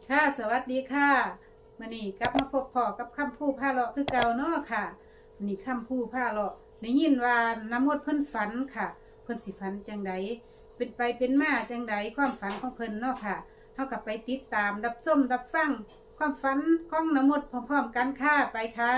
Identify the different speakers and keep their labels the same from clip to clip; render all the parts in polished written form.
Speaker 1: ค่ะสวัสดีค่ะมื้อนี้กลับมาพบพ่อกับคำพูผ้าเลาะคือเก่าเนาะค่ะมื้อนี้คำพูผ้าเลาะได้ยินว่าน้ำมดเพิ่นฝันค่ะเพิ่นสิฝันจังใดเป็นไปเป็นมาจังใดความฝันของเพิ่นเนาะค่ะเฮากับไปติดตามรับชมรับฟังความฝันของน้ำมดพร้อมๆกันค่ะไปค่ะ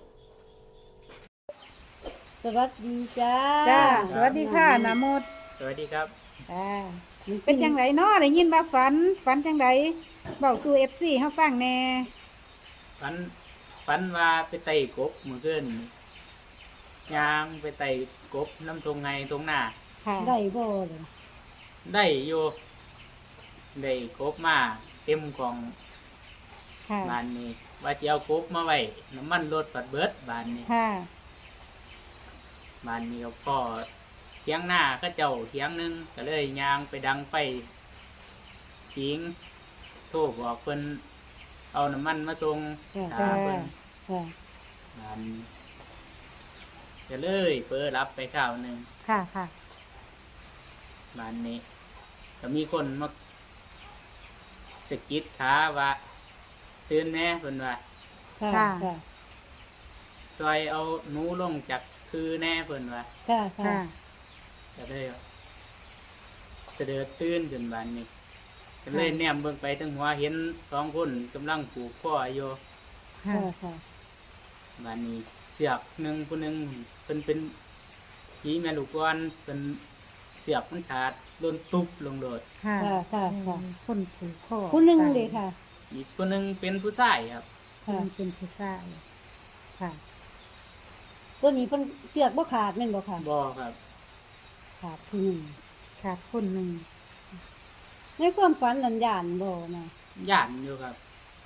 Speaker 2: สวัสดีจ้า
Speaker 1: จ้าสวัสดีค่ะน้ำมด
Speaker 3: สวัสดีครับ
Speaker 1: เป็นจังไดเนาะได้ยินว่าฝันจังใดเว้าสู่ FC เฮาฟังแหน่
Speaker 3: ฝันฝันว่าไปไต่กบมือขึ้นยางไปไต่กบน้ำตรงไงตรงหน้า
Speaker 1: ค่ะ
Speaker 2: ได้บ่เลย
Speaker 3: ได้อยู่ได้กบมาเต็มของ
Speaker 1: ค่ะ
Speaker 3: บานนี้ ว่าจะเอากบมาไว้น้ำมันรถปัดเบิดบานนี้
Speaker 1: ค่ะ
Speaker 3: บานนี้ก็เทียงหน้าก็เจ้าเทียงหนึงก็เลยยางไปดังไปทิ้งโทรบอกเพิ่นเอาน้ำมันมาส่งหาเพิ่น
Speaker 2: ค่ะ
Speaker 3: บานนี้ก็เลยเปิดรับไปข้าวหนึ่ง
Speaker 1: ค่ะค่ะ
Speaker 3: บ้านนี้ก็มีคนมาสะกิดขาว่าตื่นแน่เพิ่นว่า
Speaker 2: ค่ะ
Speaker 1: ค่ะ
Speaker 2: ค่ะ
Speaker 3: ซอยเอาหนูลงจากคือแน่เพิ่นว่า
Speaker 2: ค่ะค่ะ
Speaker 1: ค่ะ
Speaker 3: ก็เลยเสด็จตื่นจนบ้านนี้ก็เลยแนมเบิ่งไปทั้งหัวเห็นสองคนกำลังผูกคออยู่
Speaker 1: ค่ะ
Speaker 2: ค่ะ
Speaker 3: บ้านนี้เสือกหนึ่งผู้หนึ่งเพิ่นเป็นผีแม่ลูกอ่อนเพิ่นเสือกมันขาดโดนตุบลงโดด
Speaker 1: ค่ะ
Speaker 2: ค่ะค่ะค่ะ
Speaker 1: คนผูกคอ
Speaker 2: ผู้หนึงเลยค่ะ
Speaker 3: อีกผู้หนึ่งเป็นผู้ชายครับ
Speaker 1: คน
Speaker 2: ค่ะ
Speaker 1: เป็นผู้ชายค่ะ
Speaker 2: ตัวนี้เพิ่นเสือกบ่ขาดแม่นบ่ค่ะ
Speaker 3: บ่ครับ
Speaker 2: ขาดผู้หนึง
Speaker 1: ค่ะคนหนึ่ง
Speaker 2: ในความฝันนันย่านบ่นะ
Speaker 3: ย่านอยู่ครับ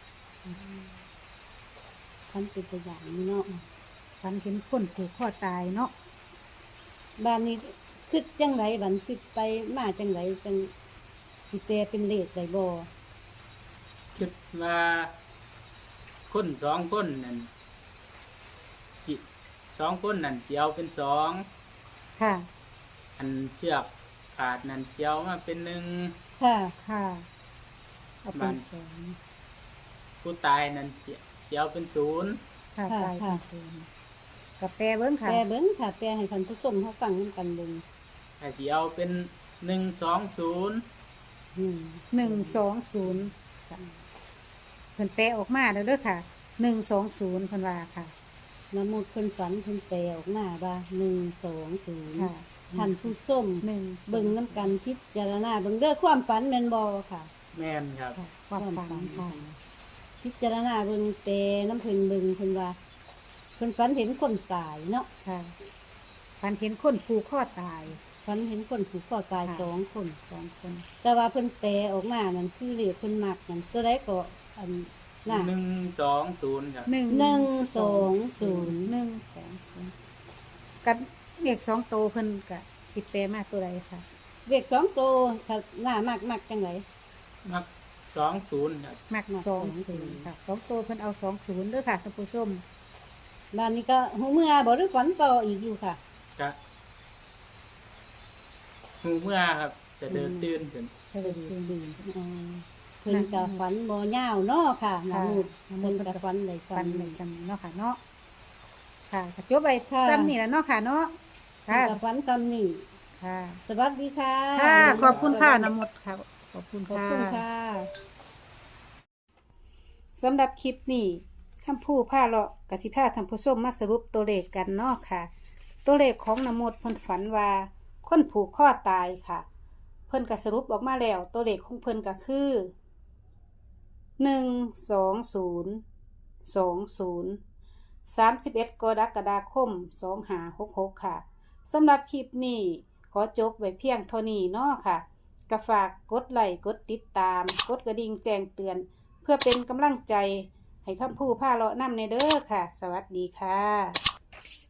Speaker 2: ฝันเป็นตัวอย่างนี่เนาะ
Speaker 1: ฝันเห็นคนผูกคอตายเนาะ
Speaker 2: บ้านนี้คิดจังไดบัดคิดไปมาจังไดจังสิแปลเป็นเลขได้บ่
Speaker 3: คิดว่าคนสองคนนั่นจิสองคนนั่นเจียวเป็นสอง
Speaker 1: ค่ะ
Speaker 3: อันเชือกขาดนั่นเจียวมาเป็นหนึ่ง
Speaker 2: ค่ะ
Speaker 1: ค่ะเอาเป็นสอง
Speaker 3: ผู้ตายนั่นเจียวเป็นศูนย์
Speaker 1: ค่ะ
Speaker 2: ค่ะ
Speaker 1: ตาย
Speaker 2: ค่ะ
Speaker 1: เป็นศูนย์กับแปรเบิ้งค่ะ
Speaker 2: แปลเบิ่งค่ะแปลให้ท่านผู้ชมเฮาฟังนำกันเบิ่ง
Speaker 3: แต่เจียวเป็นหนึ่งสองศูนย์
Speaker 1: 120ค่ะเพิ่นแปรออกมาแล้วเด้อค่ะ120เพิ่นว่าค่ะ
Speaker 2: น้ำมูดเพิ่นฝันเพิ่นแปลออกมาว่า120
Speaker 1: ค่ะ
Speaker 2: ท่านผู้ชม
Speaker 1: หนึ่ง
Speaker 2: เบิ่งน้ำกันพิจารณาเบิ่งเด้อความฝันแม่นบ่ค่ะ
Speaker 3: แม่นครับ
Speaker 1: ค่ะความฝันค่ะ
Speaker 2: พิจารณาเบิ่งแปลน้ำเพิ่นเบิ่งเพิ่นว่าเพิ่นฝันเห็นคนตายเนาะ
Speaker 1: ค่ะฝันเห็นคนผูกคอตาย
Speaker 2: ฝันเห็นคนผูกคอตาย
Speaker 1: ค่ะ
Speaker 2: 2 คน
Speaker 1: 2 คน
Speaker 2: แต่ว่าเพิ่นแปลออกมานั่นคือเลขเพิ่นมักนั่นตัวใดก็อันน่ะ
Speaker 3: หนึ่งสองศูนย์ครับ
Speaker 2: 120
Speaker 1: กันเลข2โตวเพิ่นก็สิแปรมาตัวใดค่ะ
Speaker 2: เลข2ตัวถ้าหน้ามักจังได
Speaker 3: มักสองศูนย์ครับ
Speaker 1: มัก
Speaker 2: มัก
Speaker 1: 20ค่ะ2โตวเพิ่นเอา20เด้อค่ะท่านผู้ชม
Speaker 2: บ้านนี้ก็หูเมื่อบ่หรือฝันต่ออีกอยู่ค่ะ
Speaker 3: ก็หูเมื่อครับ จะเดินตื่นขึ้น
Speaker 1: สวัสดี
Speaker 2: อ๋อเพิ่นก็ฝันบ่ยาวเนาะค่ะ
Speaker 1: ค่ะ
Speaker 2: น้ำมูดเพิ่นก็ฝันได้
Speaker 1: ฟั
Speaker 2: ฝั
Speaker 1: น
Speaker 2: น
Speaker 1: ใน
Speaker 2: ได้
Speaker 1: จำเนาะค่ะเนาะค่ะก็จบไป
Speaker 2: ค่ะ
Speaker 1: ซ้ำนี่แหละเนาะค่ะเนาะ
Speaker 2: เพิ่
Speaker 1: ค่ะ
Speaker 2: นก็ฝันคำนี้
Speaker 1: ค่ะ
Speaker 2: สวัสดีค่ะ
Speaker 1: ค่ะ ขอบคุณค่ะน้ำมดค่ะ ขอบคุณ
Speaker 2: ขอบ
Speaker 1: ค่ะ
Speaker 2: คุณค่ะ
Speaker 1: สำหรับคลิปนี้คำพูดผ้าเลาะกสิผ้าทำผู้ชมมาสรุปตัวเลขกันเนาะค่ะ ตัวเลขของน้ำมดเพิ่นฝันว่าคนผูกคอตายค่ะ เพิ่นก็สรุปออกมาแล้ว ตัวเลขของเพิ่นก็คือ1202031กรกฎาคม2566ค่ะสำหรับคลิปนี้ขอจบไว้เพียงเท่านี้เนาะค่ะก็ฝากกดไลค์กดติดตามกดกระดิ่งแจ้งเตือน เพื่อเป็นกำลังใจให้คำพูดผ้าเลาะนำในเด้อค่ะ สวัสดีค่ะ